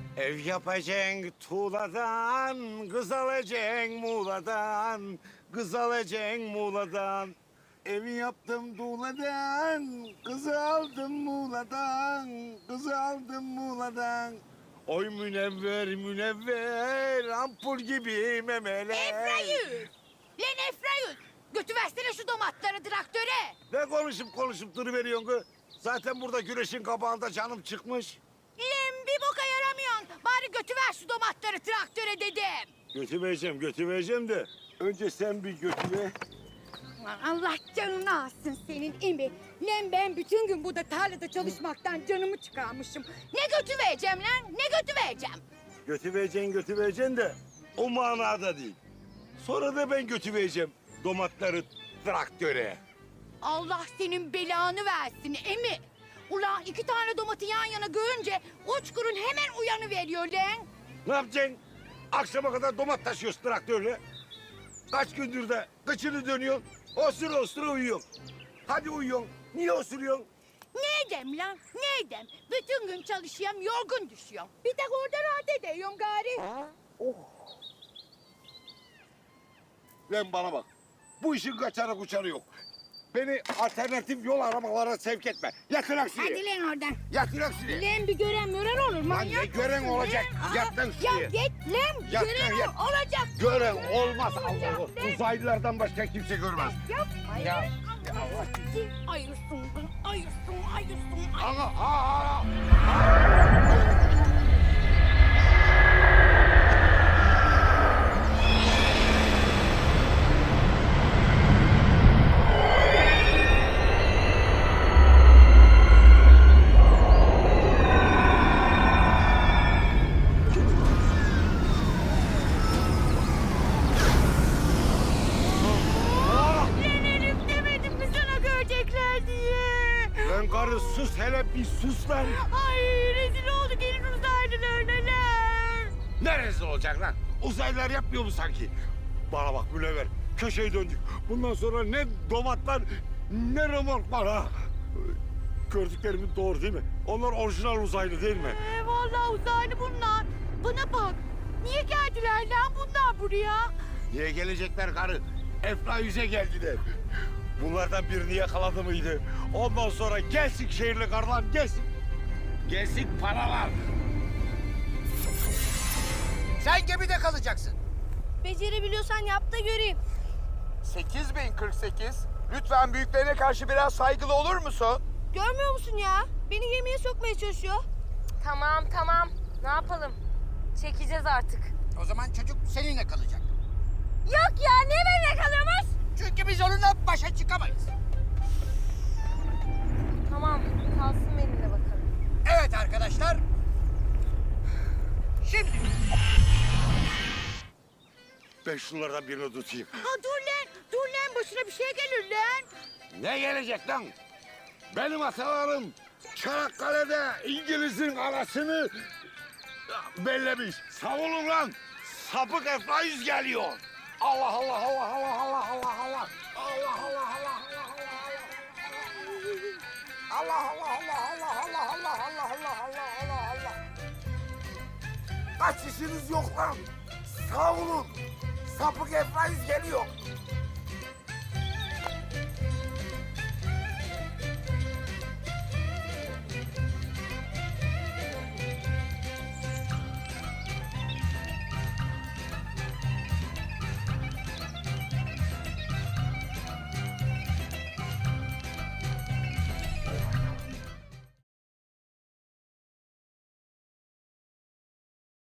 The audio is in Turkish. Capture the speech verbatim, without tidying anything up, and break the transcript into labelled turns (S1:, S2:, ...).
S1: Ev yapacaksın tuğladan, kız alacaksın Muğla'dan, kız alacaksın Muğla'dan. Evi yaptım tuğladan, kızı aldım Muğla'dan, kızı aldım Muğla'dan. Oy münevver münevver, ampul gibi memeler.
S2: Efrayüz! Lan Efrayüz! Götüversene şu domatları traktöre.
S1: Ne konuşup konuşup duruveriyorsun kız? Zaten burada güneşin kabağında canım çıkmış.
S2: Lan bir boka yaramıyorsun. Bari götüver şu domatları traktöre dedim.
S1: Götüreceğim, götüreceğim de önce sen bir götüre.
S2: Allah canını alsın senin imi. Lan ben bütün gün burada tarlada çalışmaktan canımı çıkarmışım. Ne götüvereceğim lan? Ne götüvereceğim?
S1: Götüreceksin, götüreceksin de o manada değil. Sonra da ben götüreceğim domatları traktöre.
S2: Allah senin belanı versin emi. Ulan iki tane domatı yan yana görünce uçkurun hemen uyanıveriyor lan.
S1: Ne yapacaksın? Akşama kadar domat taşıyorsun traktörle. Kaç gündür de kıçını dönüyorsun. Osura osura uyuyorsun. Hadi uyuyorsun. Niye osuruyorsun?
S2: Ne edem lan? Ne edem? Bütün gün çalışıyorum, yorgun düşüyorum. Bir tek orada rahat ediyorum gari.
S1: Lan bana bak. Bu işin kaçarı kuçarı yok. Beni alternatif yol aramalara sevk etme. Yatır aksini.
S2: Hadi lan oradan.
S1: Yatır aksini.
S2: Lan bir gören gören olur.
S1: Lan
S2: manyak
S1: ne gören
S2: mısın
S1: olacak?
S2: lan?
S1: Yat lan
S2: Ya
S1: şuraya.
S2: git lan.
S1: Yat
S2: gören
S1: lan, yat.
S2: ol- olacak.
S1: Gören olmaz Allah
S2: Olacak
S1: Allah.
S2: lan.
S1: Uzaylılardan başka kimse görmez.
S2: Yapma
S1: Ya,
S2: ya.
S1: ya Allah.
S2: Ayırsın, ayırsın, ayırsın.
S1: Ana, aa, aa.
S2: Lan Elif demedim mi sana görecekler diye.
S1: Lan karı sus hele bir sus lan.
S2: Ay rezil olduk elin uzaylılarına lan.
S1: Neresi olacak lan? Uzaylılar yapmıyor mu sanki? Bana bak Münevver, köşeyi döndük. Bundan sonra ne domatlar ne remork var ha. Gördüklerimin doğru değil mi? Onlar orijinal uzaylı değil mi?
S2: Ee, vallahi uzaylı bunlar. Bana bak. Niye geldiler lan bunlar buraya?
S1: Niye gelecekler karı? Efrayüz'e geldiler. Bunlardan birini yakaladı mıydı? Ondan sonra gelsin şehirli karılar gelsin. Gelsin paralar.
S3: Sen gemide kalacaksın.
S4: Becerebiliyorsan yap da göreyim.
S3: sekiz bin kırk sekiz. Lütfen büyüklerine karşı biraz saygılı olur musun?
S4: Görmüyor musun ya? Beni gemiye sokmaya çalışıyor.
S5: Tamam tamam. Ne yapalım? Çekeceğiz artık.
S3: O zaman çocuk seninle kalacak.
S5: Yok ya ne benimle kalıyormuş?
S3: Çünkü biz onunla başa çıkamayız.
S5: Tamam kalsın benimle bakalım.
S3: Evet arkadaşlar. Şimdi
S1: Ben şunlardan birini tutayım.
S2: Ha dur lan. Dur lan başına bir şey gelir lan.
S1: Ne gelecek lan? Benim atalarım Çanakkale'de İngiliz'in arasını bellemiş. Savunun lan. Sapık Efrayüz geliyor. Allah Allah Allah Allah Allah Allah Allah. Allah Allah Allah Allah Allah Allah Allah Allah Allah Allah Allah Allah Allah Allah Allah. Kaç işiniz yok lan? Savunun. Sapık Efrayüz geliyor.